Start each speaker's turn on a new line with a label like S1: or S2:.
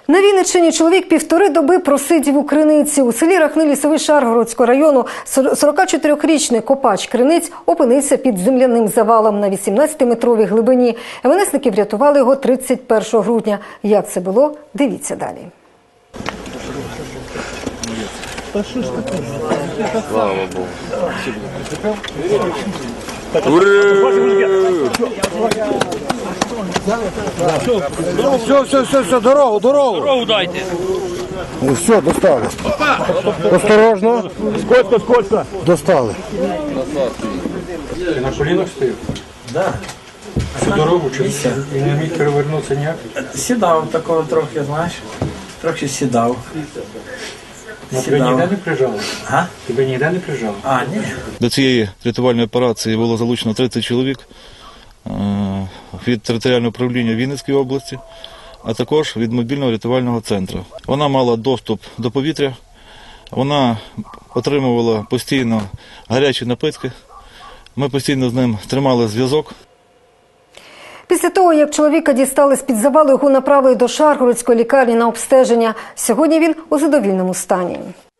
S1: На Вінниччині чоловік 1,5 доби просидів у криниці. У селі Рахни, Лісовий Шаргородського району 44-річний копач криниць опинився під земляним завалом на 18-метровій глибині. МНСники врятували його 31 грудня. Як це було? Дивіться далі.
S2: Слава Богу.
S3: Все, дорогу.
S2: Дорогу дайте.
S3: Все, достали. Осторожно.
S4: Сколько?
S3: Достали.
S4: Ти на колінах стоїв?
S5: Да.
S4: Всю дорогу чи і не міг перевернутися ніяк?
S5: Сідав такого трохи, знаєш. Трохи сідав.
S4: На тебе ніде не прижало?
S5: А?
S4: Тебе ніде не прижало?
S5: А, ні.
S6: До цієї рятувальної операції було залучено 30 чоловік від територіального управління Вінницької області, а також від мобільного рятувального центру. Вона мала доступ до повітря, вона отримувала постійно гарячі напитки, ми постійно з ним тримали зв'язок.
S1: Після того, як чоловіка дістали з-під завалу, його направили до Шаргородської лікарні на обстеження. Сьогодні він у задовільному стані.